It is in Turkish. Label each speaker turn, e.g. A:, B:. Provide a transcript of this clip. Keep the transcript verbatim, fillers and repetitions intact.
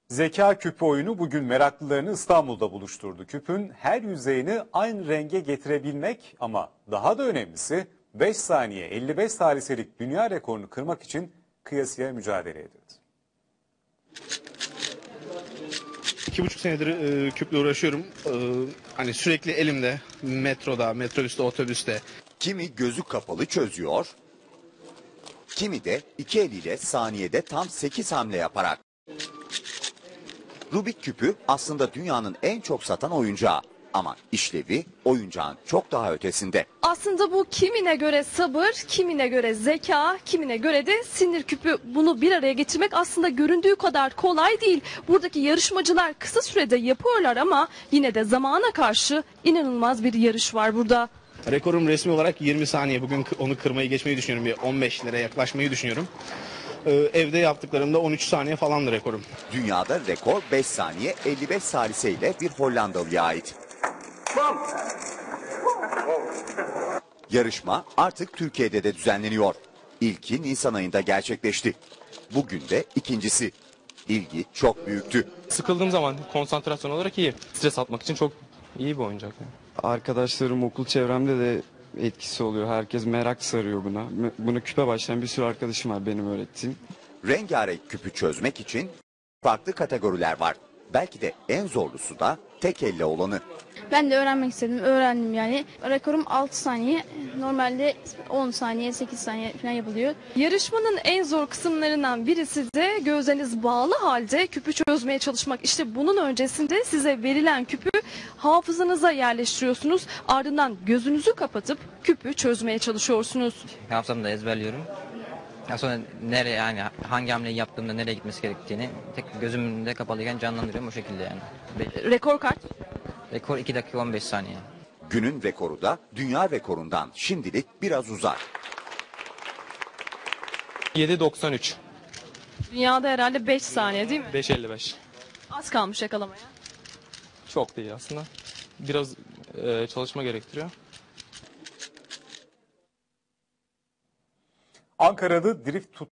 A: Zeka küpü oyunu bugün meraklılarını İstanbul'da buluşturdu. Küpün her yüzeyini aynı renge getirebilmek ama daha da önemlisi beş saniye elli beş saliselik dünya rekorunu kırmak için kıyasıya mücadele edildi.
B: İki buçuk senedir e, küple uğraşıyorum. E, hani sürekli elimde, metroda, metrobüste, otobüste.
C: Kimi gözü kapalı çözüyor, kimi de iki eliyle saniyede tam sekiz hamle yaparak. Rubik küpü aslında dünyanın en çok satan oyuncağı ama işlevi oyuncağın çok daha ötesinde.
D: Aslında bu kimine göre sabır, kimine göre zeka, kimine göre de sinir küpü. Bunu bir araya getirmek aslında göründüğü kadar kolay değil. Buradaki yarışmacılar kısa sürede yapıyorlar ama yine de zamana karşı inanılmaz bir yarış var burada.
B: Rekorum resmi olarak yirmi saniye. Bugün onu kırmayı geçmeyi düşünüyorum. Bir on beşlere yaklaşmayı düşünüyorum. E, evde yaptıklarımda on üç saniye falandı rekorum.
C: Dünyada rekor beş saniye elli beş salise ile bir Hollandalıya ait. Yarışma artık Türkiye'de de düzenleniyor. İlki Nisan ayında gerçekleşti. Bugün de ikincisi. İlgi çok büyüktü.
E: Sıkıldığım zaman konsantrasyon olarak iyi. Stres atmak için çok iyi bir oyuncak. Yani.
F: Arkadaşlarım, okul çevremde de etkisi oluyor. Herkes merak sarıyor buna. Bunu küpe başlayan bir sürü arkadaşım var benim öğrettiğim.
C: Rengarenk küpü çözmek için farklı kategoriler var. Belki de en zorlusu da tek elle olanı.
G: Ben de öğrenmek istedim. Öğrendim yani. Rekorum altı saniye. Normalde on saniye, sekiz saniye falan yapılıyor.
D: Yarışmanın en zor kısımlarından birisi de gözleriniz bağlı halde küpü çözmeye çalışmak. İşte bunun öncesinde size verilen küpü hafızanıza yerleştiriyorsunuz. Ardından gözünüzü kapatıp küpü çözmeye çalışıyorsunuz.
H: Hafızamda ezberliyorum. Ya sonra nereye yani hangi hamleyi yaptığımda nereye gitmesi gerektiğini tek gözümde kapalıyken canlandırıyorum o şekilde yani.
D: Rekor kaç?
H: Rekor iki dakika on beş saniye.
C: Günün rekoru da dünya rekorundan şimdilik biraz uzak.
E: yedi doksan üç.
D: Dünyada herhalde beş saniye değil mi?
E: beş elli beş.
D: Az kalmış yakalamaya.
E: Çok değil aslında. Biraz e, çalışma gerektiriyor.
A: Ankara'da drift tut